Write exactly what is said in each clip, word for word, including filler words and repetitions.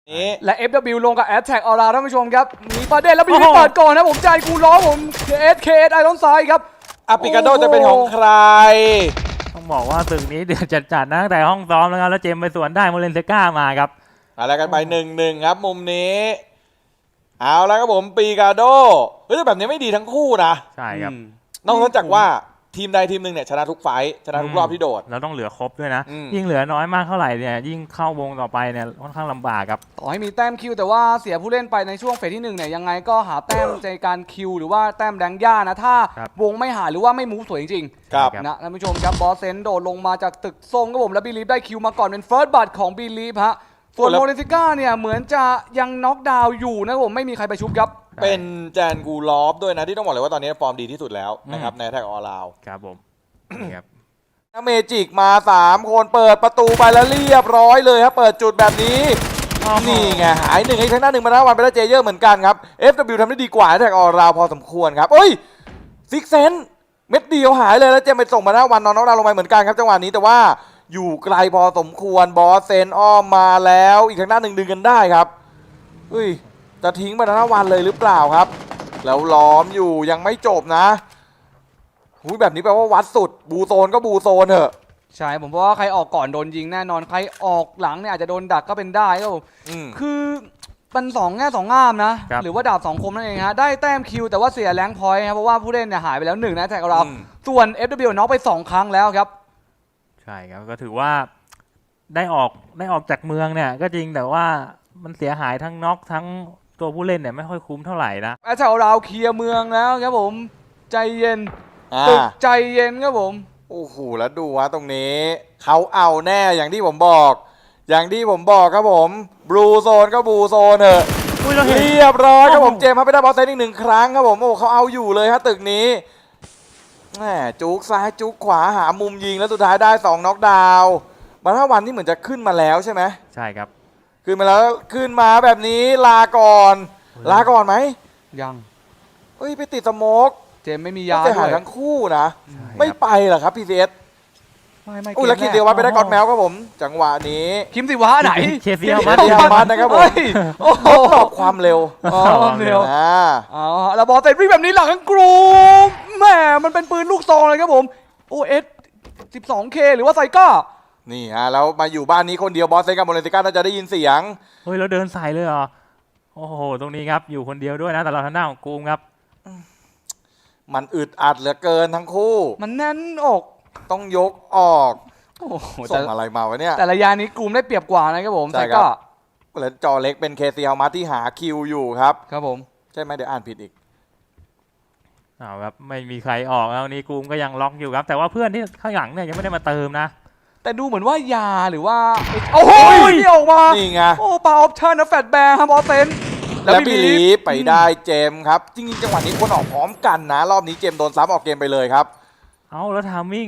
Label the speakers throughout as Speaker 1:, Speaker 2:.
Speaker 1: นี้
Speaker 2: และ เอฟ ดับเบิลยู ลงกับ Attack เอาล่ะท่านผู้ชมครับมีประเด็นแล้วบีบีเปิดก่อนนะผมใจกูล้อผม เค เอส เค เอส ไอรอนไซด์ครับ
Speaker 1: อาปิกาโดจะเป็นของใคร
Speaker 3: ต้องบอกว่าตึกนี้เดือดจัดๆนะตั้งแต่ห้องซ้อมแล้วครับแล้วเจมไปสวนได้โมเลนเซก้ามาครับ
Speaker 1: อะไรกันไปหนึ่งหนึ่งครับมุมนี้เอาแล้วครับผมปีกาโดเฮ้ยแต่แบบนี้ไม่ดีทั้งคู่นะ
Speaker 3: ใช่ครับ
Speaker 1: นอกจากว่าทีมใดทีมหนึ่งเนี่ยชนะทุกไฟท์ชนะทุกรอบที่โดด
Speaker 3: เราต้องเหลือครบด้วยนะ
Speaker 1: อืม
Speaker 3: ยิ่งเหลือน้อยมากเท่าไหร่เนี่ยยิ่งเข้าวงต่อไปเนี่ยค่อนข้างลำบากครับ
Speaker 2: ต่อให้มีแต้มคิวแต่ว่าเสียผู้เล่นไปในช่วงเฟสที่หนึ่งเนี่ยยังไงก็หาแต้มในการคิวหรือว่าแต้มแดงย่านะถ้า
Speaker 3: ครับ
Speaker 2: วงไม่หายหรือว่าไม่มูฟสวยจริง
Speaker 1: ครับ
Speaker 2: ๆนะท่านผู้ชมครับบอสเซนโดดลงมาจากตึกส้มครับผมแล้วบีลีฟได้คิวมาก่อนเป็นเฟิร์สบัตของบีลีฟฮะส่วน
Speaker 1: โอ้แล้ว
Speaker 2: โมเลนซิก้าเนี่ยเหมือนจะยังน็อกดาวน์อยู่นะครับผมไม่มีใครไปชุบครับ
Speaker 1: เป็นแจนกูลอฟด้วยนะที่ต้องบอกเลยว่าตอนนี้ฟอร์มดีที่สุดแล้วนะครับในแท็กออลาว
Speaker 3: ครับผมนี่ครับ
Speaker 1: เมจิกมาสามคนเปิดประตูไปแล้วเรียบร้อยเลยครับเปิดจุดแบบนี้นี่ไงหายหนึ่งไอ้ทางหน้าหนึ่งมาแล้ววันไปแล้วเจเยอร์เหมือนกันครับ เอฟ ดับเบิลยู ทำได้ดีกว่าแท็กออลาวพอสมควรครับเอ้ยซิกเซนเม็ดเดียวหายเลยแล้วเจมไปส่งมาหน้าวันนอนน้องดาวลงไปเหมือนกันครับจังหวะนี้แต่ว่าอยู่ไกลพอสมควรบอสเซนอ้อมมาแล้วอีกทางหน้าหนึ่งดึงกันได้ครับเฮ้ยจะทิ้งมาหน้าวันเลยหรือเปล่าครับแล้วล้อมอยู่ยังไม่จบนะหุยแบบนี้แปลว่าวัดสุดบูโซนก็บูโซนเถอะ
Speaker 2: ใช่ผมว่าใครออกก่อนโดนยิงแน่นอนใครออกหลังเนี่ยอาจจะโดนดักก็เป็นได้ครับผม
Speaker 1: อืม
Speaker 2: คือมันสองแง่สองงามนะ หรือว่าดาบสองคมนั่นเองฮะได้แต้มคิวแต่ว่าเสียแรงพอยต์ครับเพราะว่าผู้เล่นเนี่ยหายไปแล้วหนึ่งนะแท็กเรา
Speaker 1: อืม
Speaker 2: ส่วน เอฟ ดับเบิลยู น็อกไปสองครั้งแล้วครับ
Speaker 3: ใช่ครับก็ถือว่าได้ออกได้ออกจากเมืองเนี่ยก็จริงแต่ว่ามันเสียหายทั้งน็อกทั้งตัวผู้เล่นเนี่ยไม่ค่อยคุ้มเท่าไหร่นะ
Speaker 2: แอตแทกเราเคลียร์เมืองแล้วครับผมใจเย็น
Speaker 1: อ่า
Speaker 2: ตึกใจเย็นครับผม
Speaker 1: โอ้โหแล้วดูว่าตรงนี้เขาเอาแน่อย่างที่ผมบอก อย่างที่ผมบอกครับผมบลูโซนก็บลูโซนเถอะ
Speaker 3: อุ้ยเราเห็น
Speaker 1: เรียบร้อยครับผม
Speaker 3: โอ้โห
Speaker 1: เจมส์ครับไปได้บอลเซนอีกหนึ่งครั้งครับผมโอ้เขาเอาอยู่เลยฮะตึกนี้แหมจุกซ้ายจุกขวาหามุมยิงแล้วสุดท้ายได้สองน็อกดาวน์บรรทวันนี่เหมือนจะขึ้นมาแล้วใช่ไหม
Speaker 3: ใช่ครับ
Speaker 1: ขึ้นมาแล้วขึ้นมาแบบนี้ลาก่อน ลาก่อนไหม
Speaker 2: ยัง
Speaker 1: เฮ้ยไปติดสโมก
Speaker 2: เจมไม่มี
Speaker 1: ยาย
Speaker 2: า
Speaker 1: จะ
Speaker 2: ด้
Speaker 1: หา
Speaker 2: วย
Speaker 1: ทั้งคู่นะ
Speaker 3: ใช่
Speaker 1: ไม่
Speaker 3: ครับ
Speaker 1: ไปเหรอครับพีซีเอส
Speaker 2: ไม่ไม่
Speaker 1: อุ้ยแล้วคิดเดียวว่าไปได้ก๊อตแมวครับผม จังหวะนี้
Speaker 2: คิมสิวะไหน
Speaker 3: เคซีเอามา
Speaker 1: เคซีเอามา นะครับผม
Speaker 2: เฮ้ยโอ้โห
Speaker 1: ทดสอบความเร็ว
Speaker 2: อ๋อเร็ว
Speaker 1: อ่า
Speaker 2: อ๋อแล้วบอลเตะวิ่งแบบนี้หลังกันกรูมแหมมันเป็นปืนลูกซองเลยครับผมโอเอส สิบสองเค หรือว่าไซก้า
Speaker 1: นี่ฮะแล้วมาอยู่บ้านนี้คนเดียวบอสเซนกับโมเลนติก้าน่าจะได้ยินเสียง
Speaker 3: เฮ้ยเราเดินใส่เลยเหรอโอ้โหตรงนี้ครับอยู่คนเดียวด้วยนะแต่เราทางหน้าของกูมครับ
Speaker 1: มันอึดอัดเหลือเกินทั้งคู่
Speaker 2: มันแน่นอก
Speaker 1: ต้องยกออก
Speaker 2: โอ้โห
Speaker 1: ส่
Speaker 2: แต่
Speaker 1: งอะไรมาวะเนี่ย
Speaker 2: แต่ระยะนี้กลุ่มได้เปรียบกว่านะครับผม
Speaker 1: ใช่
Speaker 2: ไซ
Speaker 1: ครับ
Speaker 2: ก้า
Speaker 1: แล้วจอเล็กเป็นเคซีเอามาที่หาคิวอยู่ครับ
Speaker 2: ครับผม
Speaker 1: ใช่ไหมเดี๋ยวอ่านผิดอีก
Speaker 3: เอาครับไม่มีใครออกแล้วนี่กูมก็ยังล็อกอยู่ครับ แต่ว่าเพื่อนที่ข้างหลังเนี่ยยังไม่ได้มาเติมนะ
Speaker 2: แต่ดูเหมือนว่ายาหรือว่าโอ้โห
Speaker 1: โอ้ย
Speaker 2: นี่ออกมา
Speaker 1: นี่ไง
Speaker 2: โอ้ปาออปชั่นนะแฟตแบร์ครับบอสเซน
Speaker 1: แล้วบิลีฟไปได้เจมส์ครับ จริงๆจังหวะนี้ควรออกพร้อมกันนะ รอบนี้เจมส์โดนซ้ำออกเกมไปเลยครับ
Speaker 3: เอาแล้วทามมิ่ง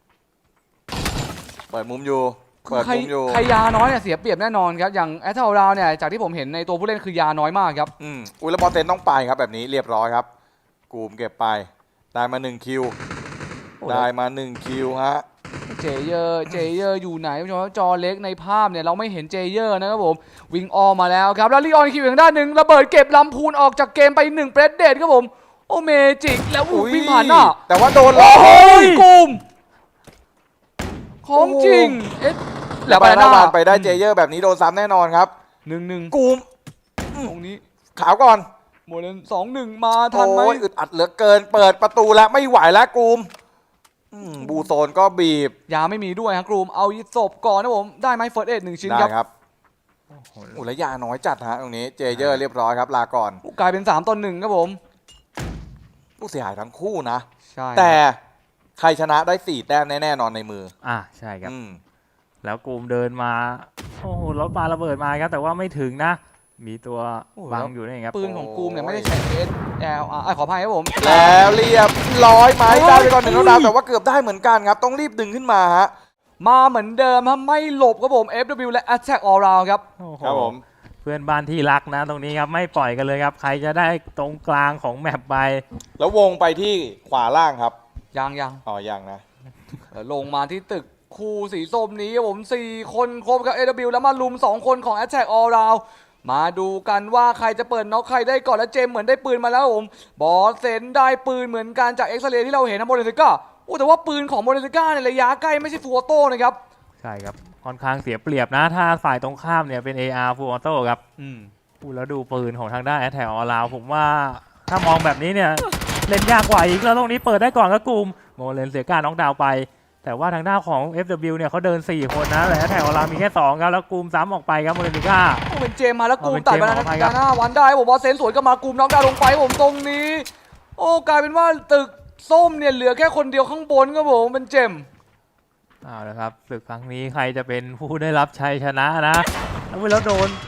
Speaker 1: เปิดมุมอยู่ เปิด
Speaker 2: ใคร
Speaker 1: มุมอยู่
Speaker 2: ใครยาน้อยเนี่ยเสียเปรียบแน่นอนครับอย่างแอตเทลราวเนี่ยจากที่ผมเห็นในตัวผู้เล่นคือยาน้อยมากครับ
Speaker 1: อืมอุ้ยแล้วบอลเซนต้องไปครับแบบนี้เรียบร้อยครับ กูมเก็บไป ได้มาหนึ่งคิว
Speaker 2: โอ้
Speaker 1: ได้มาหนึ่งคิวฮะ
Speaker 2: เจเยอร์เจเยอร์อยู่ไหนผู้ชมจอเล็กในภาพเนี่ยเราไม่เห็นเจเยอร์นะครับผมวิ่งออกมาแล้วครับแล้วลีออนคิวอย่างด้านหนึ่งระเบิดเก็บลำพูนออกจากเกมไปหนึ่งเปรสเดดครับผมโอเมจิกแล้วอู้วิ่งผ่านหน้า
Speaker 1: แต่ว่าโดนล้
Speaker 2: โอ้
Speaker 1: อ
Speaker 2: โห
Speaker 1: ย
Speaker 2: กลุ่มของจริงเอ๊ะ
Speaker 1: แล้
Speaker 2: แล้ว ว
Speaker 1: ไป
Speaker 2: ไป
Speaker 1: ห
Speaker 2: ห
Speaker 1: น้า
Speaker 2: น้า
Speaker 1: บานไปได้เจเยอร์แบบนี้โดนซ้ำแน่นอนครับ
Speaker 2: หนึ่งหนึ่ง
Speaker 1: กูม
Speaker 2: ตรงนี้
Speaker 1: ขาวก่อน
Speaker 2: โมเลนสองหนึ่งมาทันไหม
Speaker 1: โอ้ยอึดอัดเหลือเกิน เปิดประตูแล้วไม่ไหวแล้วกูมอืมบูโซนก็บีบ
Speaker 2: ยาไม่มีด้วยครับกลุ่มเอาศพก่อนนะผมได้ไหมเฟิร์สเอ็ดหนึ่งชิ้น
Speaker 1: ได้
Speaker 2: ครับ
Speaker 1: ครับอุยแล้วยาน้อยจัดฮะตรงนี้เจเยอร์เรียบร้อยครับลาก่อน
Speaker 2: กลายเป็นสามต่อหนึ่งครับผม
Speaker 1: ผู้เสียหายทั้งคู่นะ
Speaker 2: ใช่
Speaker 1: แต่ใครชนะได้สี่แต้มแน่ๆนอนในมือ
Speaker 3: อ่ะใช่ครับ
Speaker 1: อืม
Speaker 3: แล้วกูมเดินมาโอ้โหรถปาระเบิดมาครับแต่ว่าไม่ถึงนะ มีตัวบังอยู่นี่ครับ
Speaker 2: ปืนของกลุ่มเนี่ยไม่ได้ใช้เอสแอลอ่าขออภัยครับผม
Speaker 1: แล้วเรียบร้อยไหม
Speaker 2: โอ้ย
Speaker 1: ได้ไปก่อนหนึ่งแล้วดาวแต่ว่าเกือบได้เหมือนกันครับ ต้องรีบดึงขึ้นมาฮะ
Speaker 2: มาเหมือนเดิมครับไม่หลบครับผม เอฟ ดับเบิลยู และ Attack All Round ครับ
Speaker 3: โอ้โห
Speaker 1: ครับผม
Speaker 3: เพื่อนบ้านที่รักนะ ตรงนี้ครับไม่ปล่อยกันเลยครับ ใครจะได้ตรงกลางของแมปไป
Speaker 1: แล้ววงไปที่ขวาล่างครับ
Speaker 2: ยังยัง
Speaker 1: อ๋อยังนะ
Speaker 2: เดี๋ยวลงมาที่ตึกคู่สีส้มนี้ครับผมสี่คนครบกับ เอ ดับเบิลยู แล้วมาลุมสองคนของ Attack All Round มาดูกันว่าใครจะเปิดน็อกใครได้ก่อนและเจมส์เหมือนได้ปืนมาแล้วครับผมบอสเซนได้ปืนเหมือนกันจากเอ็กซเรย์ที่เราเห็นนะโมเดลซิก้าโอ้แต่ว่าปืนของโมเดลซิก้าในระยะใกล้ไม่ใช่ฟูลออโต้นะครับ
Speaker 3: ใช่ครับค่อนข้างเสียเปรียบนะถ้าฝ่ายตรงข้ามเนี่ยเป็น เอ อาร์ Full Auto ครับ
Speaker 2: อืม
Speaker 3: พูดแล้วดูปืนของทางด้าน Attack All Round ผมว่าถ้ามองแบบนี้เนี่ยเล่นยากกว่าอีกแล้วตรงนี้เปิดได้ก่อนก็กลุ่มโมเลนเสียการน็อกดาวน์ไปแต่ว่าทางด้านของ เอฟ ดับเบิลยู เนี่ยเขาเดินสี่คนนะแต่ Attack All Round มีแค่สองครับแล้วกลุ่มซ้ำออกไปครับโมเลนติก้า
Speaker 2: โอ้เป็นเจมส์มาแล้วกูม
Speaker 3: เอาเป็น
Speaker 2: ตัดไป
Speaker 3: เจมส์
Speaker 2: แล้ว
Speaker 3: ออกไป
Speaker 2: นะครับ หน้าวันได้ผมว่าเซนสวนก็มากูมน้องดาวลงไปผมตรงนี้ โอ้กลายเป็นว่าตึกส้มเนี่ยเหลือแค่คนเดียวข้างบนครับผมเป็นเจมส์
Speaker 3: เอาละครับศึกครั้งนี้ใครจะเป็นผู้ได้รับชัยชนะนะแล้วโดน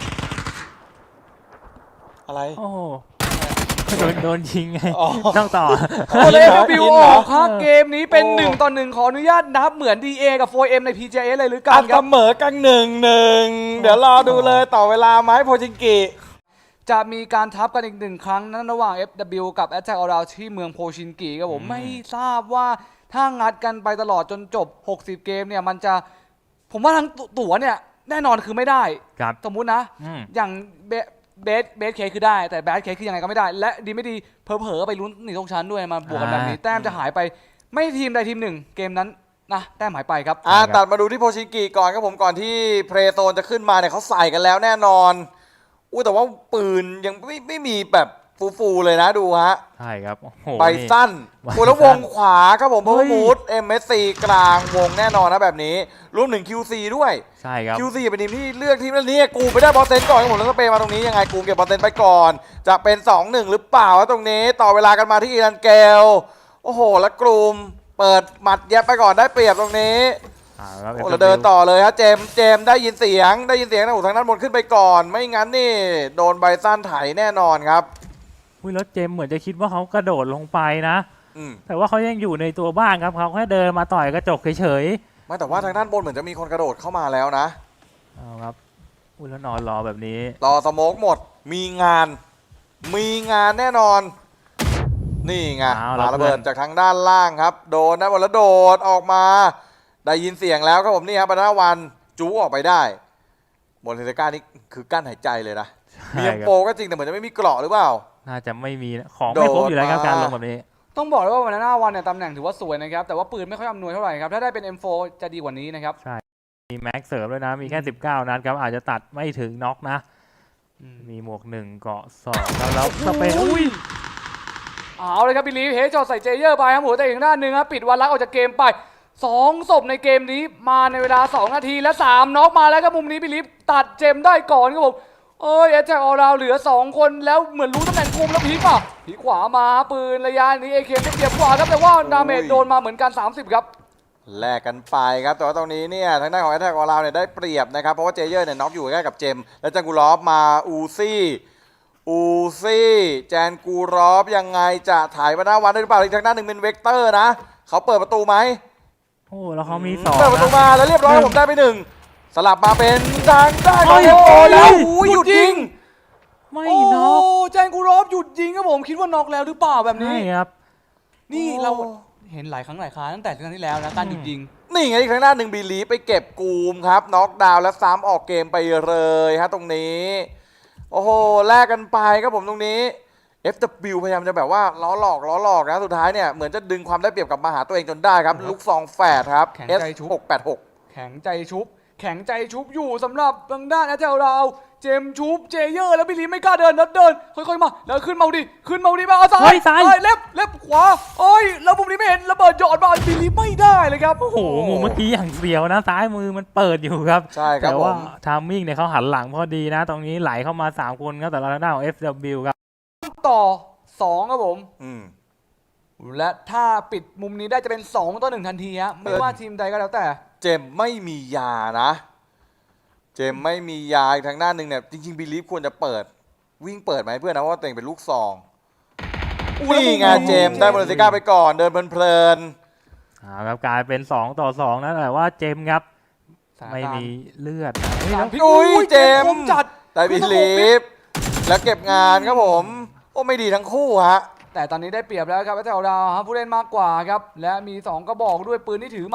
Speaker 1: อะไร
Speaker 3: โอ้โหโดนโดนยิงไง
Speaker 1: อ๋อ
Speaker 3: ต้องต่อ
Speaker 2: โอ้เลย
Speaker 1: ยินเหรอ
Speaker 2: บิว
Speaker 1: ยิน
Speaker 2: อ
Speaker 1: เหรอ
Speaker 2: อกครับเกมนี้เป็น
Speaker 1: โอ้
Speaker 2: หนึ่งต่อหนึ่งขออนุญาตนับเหมือน ดี เอ กับ โฟร์ เอ็ม ใน พี เจ เอส เลยหรือกั
Speaker 1: อั
Speaker 2: น
Speaker 1: น
Speaker 2: ค
Speaker 1: เส
Speaker 2: รับ
Speaker 1: มอกันหนึ่งหนึ่งเดี๋ยวรอดูเลยต่อเวลาไหมโพจิงกิ
Speaker 2: จะมีการทับกันอีกหนึ่งครั้งนั้นระหว่าง เอฟ ดับเบิลยู กับ Attack All Round ที่เมืองโพชินกิครับผม
Speaker 3: อืม
Speaker 2: ไม่ทราบว่าถ้างัดกันไปตลอดจนจบหกสิบเกมเนี่ยมันจะผมว่าทั้งตั๋วเนี่ยแน่นอนคือไม่ได้
Speaker 3: ครับ
Speaker 2: สมมุตินะ
Speaker 3: อืม
Speaker 2: อย่างเบเบสเบสเคคือได้แต่แบดเคคือยังไงก็ไม่ได้ และดีไม่ดีเผลอๆไปลุ้นหนีตกชั้นด้วยมาบวกกันแบบนี้
Speaker 3: อ่า
Speaker 2: แต้มจะหายไปไม่ทีมใดทีมหนึ่งเกมนั้นนะแต้มหายไปครับ
Speaker 1: อ่ะ
Speaker 3: ใช่ครับ
Speaker 1: ตัดมาดูที่โพชิงกิก่อนครับผมก่อนที่เพลโซนจะขึ้นมาเนี่ยเขาใส่กันแล้วแน่นอนอู้แต่ว่าปืนยังไม่ไม่มีแบบฟูๆเลยนะดูฮะ
Speaker 3: ใช่ครับโอ้โห
Speaker 1: ใบ
Speaker 3: นี่
Speaker 1: สั้น
Speaker 3: ใบ
Speaker 1: โอ้แล้ววงขวาครับผม
Speaker 3: เฮ้
Speaker 1: เพิ่ม
Speaker 3: ย
Speaker 1: มูด เอ็ม เอส ซี กลางวงแน่นอนนะแบบนี้รวมถึง คิว ซี ด้วย
Speaker 3: ใช่ครับ
Speaker 1: คิว ซี เป็นทีมที่เลือกทีมนี้กูไปได้บอลเซนก่อนครับผมแล้วสเปย์มาตรงนี้ยังไงกูเก็บบอลเซนไปก่อน จะเป็น สองหนึ่ง หรือเปล่าวะตรงนี้ต่อเวลากันมาที่อีรันเกลโอ้โหแล้วกลุ่มเปิดหมัดแยบไปก่อนได้เปรียบตรงนี้
Speaker 3: อ่าครับ
Speaker 1: โอ้เราเดินต่อเลยฮะเจมส์เจมส์ได้ยินเสียงได้ยินเสียงนะโอ้ทางด้านบนขึ้นไปก่อน ไม่งั้นนี่โดนใบสั้นไถแน่นอนครับ
Speaker 3: อุ้ยแล้วเจมส์เหมือนจะคิดว่าเขากระโดดลงไปนะ
Speaker 1: อืม
Speaker 3: แต่ว่าเขายังอยู่ในตัวบ้านครับเขาแค่เดินมาต่อยกระจกเฉย
Speaker 1: ไม่แต่ว่าทางด้านบนเหมือนจะมีคนกระโดดเข้ามาแล้วนะ
Speaker 3: ๆเอาครับอุ้ยแล้วนอนรอแบบนี้
Speaker 1: รอสโมกหมดมีงาน มีงานแน่นอน นี่ไง
Speaker 3: เอา
Speaker 1: ปา
Speaker 3: ละ
Speaker 1: ระเบิด
Speaker 3: เพื่อน
Speaker 1: จากทางด้านล่างครับ โดนนะบอลแล้วโดดออกมา ได้ยินเสียงแล้วครับผมนี่ครับบรรณวันจูออกไปได้บนเทเลก้านี่คือกั้นหายใจเลยนะมี
Speaker 3: ใช่
Speaker 1: เอ็ม
Speaker 3: ครับ
Speaker 1: โปก็จริงแต่เหมือนจะไม่มีเกราะหรือเปล่า
Speaker 3: น่าจะไม่มีนะของไม่ครบอยู่แล้วครับ
Speaker 1: โดดมา
Speaker 3: การลงแบบนี้
Speaker 2: ต้องบอกเลยว่าวันหน้าวันเนี่ยตำแหน่งถือว่าสวยนะครับแต่ว่าปืนไม่ค่อยอำนวยเท่าไหร่ครับถ้าได้เป็น เอ็ม โฟร์ จะดีกว่านี้นะครับ
Speaker 3: มีแม็กเสริมด้วยนะ มีแค่สิบเก้านัดครับอาจจะตัดไม่ถึงน็อกนะ มีหมวกหนึ่งเกาะสองแล้วแล้วสเปนอุ้ย
Speaker 2: เอาเลยครับบิลลีฟเฮจอดใส่เจเยอร์ไปครับหัวแต่อีกด้านหนึ่งครับปิดวันลักออกจากเกมไปสองศพในเกมนี้มาในเวลาสองนาทีและสามน็อกมาแล้วครับมุมนี้บิลลีฟตัดเจมได้ก่อนครับผมเอ้ยแอตแทกออลราวเหลือสองคนแล้วเหมือนรู้ตำแหน่งคุมแล้วพีกป่ะพีกขวามาปืนระยะนี้เอเคไม่เสียบขวาครับแต่ว่าดาเมจโดนมาเหมือนกันสามสิบครับ
Speaker 1: แลกกันไปครับแต่ว่าตรงนี้เนี่ยทางด้านของแอตแทกของเราเนี่ยได้เปรียบนะครับเพราะว่าเจเยอร์เนี่ยน็อกอยู่ใกล้กับเจมส์และจังกูรอฟมาอูซี่อูซี่แจนกูรอฟยังไงจะถ่ายมาหน้าวันได้หรือเปล่าอีกทางด้านหนึ่งเป็นเวกเตอร์นะเขาเปิดประตูไหม
Speaker 3: โอ้แล้วเขามีสอง
Speaker 1: เปิดประตู
Speaker 3: นะ
Speaker 1: มาแล้วเรียบร้อยผมได้ไปหนึ่งสลับมาเป็นทางด้านข
Speaker 3: เฮ้
Speaker 1: อง
Speaker 3: ย
Speaker 1: โอ้แล้ว
Speaker 3: เฮ้ย
Speaker 1: โอ้ยหยุดยิง
Speaker 3: ไม่
Speaker 2: โอ้
Speaker 3: น็อก
Speaker 2: แจนกูรอฟหยุดยิงครับผมคิดว่าน็อกแล้วหรือเปล่าแบบนี้
Speaker 3: ใช่ครับ
Speaker 2: นี่เราเห็นหลายครั้งหลายคราตั้งแต่ครั้งที่แล้วนะการหยุดยิง
Speaker 1: นี่ไงอีกทางด้านหนึ่งบีลีไปเก็บกูมครับน็อกดาวน์และซ้ำออกเกมไปเลยฮะตรงนี้โอ้โหแลกกันไปครับผมตรงนี้ เอฟ ดับเบิลยู พยายามจะแบบว่าล้อหลอกล้อหลอกนะสุดท้ายเนี่ยเหมือนจะดึงความได้เปรียบกลับมาหาตัวเองจนได้ครับลูกซองแฝดครับ
Speaker 2: แข็ง
Speaker 1: เอส
Speaker 2: ใจชุบ
Speaker 1: หกแปดหก
Speaker 2: แข็งใจชุบ แข็งใจชุบอยู่สำหรับทางด้านแอตแทกเราเจมส์ชุบเจเยอร์แล้วบิลลีไม่กล้าเดินแล้วเดินค่อยๆมาแล้วขึ้นมาดิขึ้นมาดิมาเอาซ้า
Speaker 3: เฮ้
Speaker 2: ย
Speaker 3: ยซ้าย
Speaker 2: เอ้เล็บเล็บขวาโอ้ยแล้วมุมนี้ไม่เห็นระเบิดหยอดมาบิลลีไม่ได้เลยครับ
Speaker 3: โอ้โหมุมเมื่อกี้อย่างเสียวนะซ้ายมือมันเปิดอยู่ครับ
Speaker 1: ใช่ครับ
Speaker 3: แต่
Speaker 1: ผ
Speaker 3: ว่าม ทามมิ่งเนี่ยเขาหันหลังพอดีนะ ตรงนี้ไหลเข้ามาสามคนครับแต่ละด้านของ เอฟ ดับเบิลยู ครับ
Speaker 2: ต่อสองครับผม
Speaker 1: อืม
Speaker 2: และถ้าปิดมุมนี้ได้จะเป็นสองต่อหนึ่งทันทีฮะไม่ว่าทีมใดก็แล้วแต่
Speaker 1: เจมส์ไม่มียานะ เจมส์ไม่มียาอีกทางด้านหนึ่งเนี่ยจริงๆบีลีฟควรจะเปิดวิ่งเปิดไหมเพื่อนนะเพราะว่าตัวเองเป็นลูกซองนี่ไงเจมส์ได้บอลเซก้าไปก่อนเดินเพลิน
Speaker 3: อ่าครับกลายเป็นสองต่อสองนะแต่ว่าเจมส์ครับ
Speaker 2: สถาน
Speaker 3: ไม่
Speaker 2: การณ์
Speaker 3: มีเลือดนะเฮ้ย
Speaker 2: สา
Speaker 3: แล้
Speaker 2: ม
Speaker 3: ว
Speaker 2: พลิก
Speaker 1: อุ้ยเจมส์
Speaker 2: คมจัด
Speaker 1: ๆได้บีลีฟแล้วเก็บงานครับผมโอ้ไม่ดีทั้งคู่ฮะ
Speaker 2: แต่ตอนนี้ได้เปรียบแล้วครับแถวเราครับผู้เล่นมากกว่าครับและมีสองกระบอกด้วยปืนที่ถือมา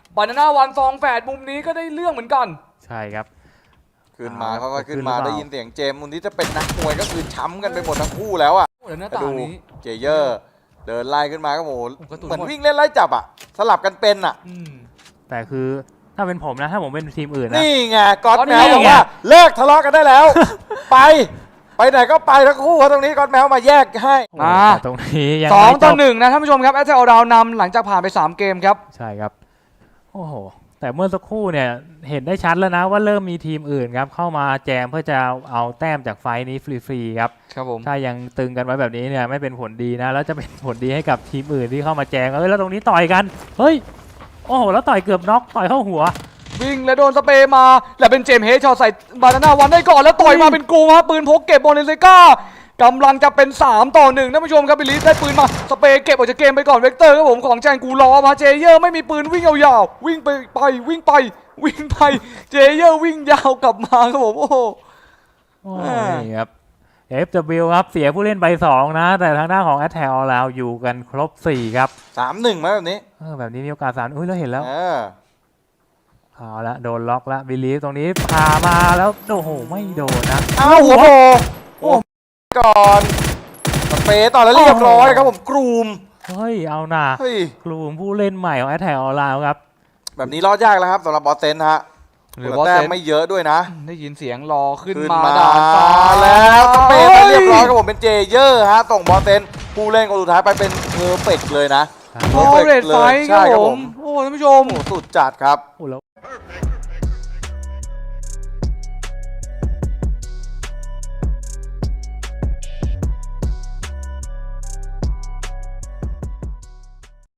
Speaker 2: บานาน่าวันซองแฝดมุมนี้ก็ได้เรื่องเหมือนกัน
Speaker 3: ใช่ครับ
Speaker 1: ขึ้นมา
Speaker 3: อ่า
Speaker 1: เขาก็ขึ้น
Speaker 3: ขึ้น
Speaker 1: มา
Speaker 3: หรือเปล่า
Speaker 1: ได้ยินเสียงเจมส์มุนที่จะเป็นนักมวยก็คือช้ำกันไปหมดทั้งคู่แล้วอ่ะ
Speaker 2: โอ้แล้วหน้า
Speaker 1: แต่
Speaker 2: ต่า
Speaker 1: ดู
Speaker 2: งนี้
Speaker 1: เจเยอร์เดินไล่ขึ้นมาก็โห
Speaker 2: โอ้กระตุก
Speaker 1: เหมือน
Speaker 2: หมด
Speaker 1: วิ่งเล่นไล่จับอ่ะสลับกันเป็นอ่ะ
Speaker 2: อืม
Speaker 3: แต่คือถ้าเป็นผมนะ ถ้าผมเป็นทีมอื่นนะ
Speaker 1: นี่ไงก๊อต
Speaker 2: ก๊อต
Speaker 1: แม
Speaker 2: แม
Speaker 1: ว
Speaker 2: ว
Speaker 1: บอกว่าเลิกทะเลาะกันได้แล้ว ไป ไปไหนก็ไปทั้งคู่ครับตรงนี้ก๊อตแมวมาแยกให้
Speaker 2: มา
Speaker 3: แต่ตรงนี้ยัง
Speaker 2: สอง
Speaker 3: ไม่จ
Speaker 2: ต่อบ หนึ่งนะท่านผู้ชมครับแอตแทกออราวน์นำหลังจากผ่านไปสามเกมครับ
Speaker 3: ใช่ครับ โอ้โห แต่เมื่อสักครู่เนี่ยเห็นได้ชัดแล้วนะว่าเริ่มมีทีมอื่นครับเข้ามาแจมเพื่อจะเอาแต้มจากไฟท์นี้ฟรีๆครับ
Speaker 2: ครับผม
Speaker 3: ถ้ายังตึงกันไว้แบบนี้เนี่ยไม่เป็นผลดีนะ แล้วจะเป็นผลดีให้กับทีมอื่นที่เข้ามาแจมเอ้ยแล้วตรงนี้ต่อยกัน เฮ้ย โอ้โห แล้วต่อยเกือบน็อกต่อยเข้าหัว
Speaker 2: วิ่งและโดนสเปรย์มาและเป็นเจมส์เฮดช็อตใส่บานาน่าวันได้ก่อนแล้วต่อยมาเป็นกรูครับปืนพกเก็บบอลเลนเซก้ากำลังจะเป็นสามต่อหนึ่งท่านผู้ชมครับบิลลิสได้ปืนมาสเปรย์เก็บออกจากเกมไปก่อนเวกเตอร์ครับผมของแจงกูรอมาเจเยอร์ไม่มีปืนวิ่งยาวๆวิ่งไปไปวิ่งไปวิ่งไปเจเยอร์วิ่งยาวกลับมาครับผมโอ้โห
Speaker 3: โอ้
Speaker 2: อ่า
Speaker 3: ยครับ เอฟ ดับเบิลยู ครับเสียผู้เล่นไปสองนะ แต่ทางด้านของ Attack All Round อยู่กันครบสี่ครับ
Speaker 1: สามหนึ่งไหมแบบนี้
Speaker 3: เออแบบนี้มีโอกาสสามอุ้ยแล้วเห็นแล้ว
Speaker 1: เออ
Speaker 3: เอาละโดนล็อกละบิลีฟตรงนี้พามาแล้วโอ้โหไม่โดนนะ
Speaker 1: เอาหัวโผล่โอ้ก่อนสเปรย์ต่อแล้วเรียบร้อยครับผมกรูม
Speaker 3: เฮ้ยเอาหน่า
Speaker 1: เฮ้ย
Speaker 3: กลุ่มผู้เล่นใหม่ของ Attack All Round ครับ
Speaker 1: แบบนี้รอดยากแล้วครับสำหรับบอสเซนฮะ
Speaker 2: หรือ
Speaker 1: แต่
Speaker 2: ว่า
Speaker 1: แต้
Speaker 2: เซ
Speaker 1: ม
Speaker 2: น
Speaker 1: ไม่เยอะด้วยนะ
Speaker 2: ได้ยินเสียงรอขึ้น
Speaker 1: ขึ้น
Speaker 2: มา
Speaker 1: มา
Speaker 2: ด่านฟ้า
Speaker 1: แล้วสเปรย์ไปเรียบร้อยครับผมเป็นเจเยอร์ฮะส่งบอสเซนผู้เล่นคนสุดท้ายไปเป็นเพอร์เฟกต์เลยนะ
Speaker 2: โอ้เรดไฟท์ครับผมโอ้ท่านผู้ชม
Speaker 1: โอ้สุดจัดครับ
Speaker 3: โอ้แล้ว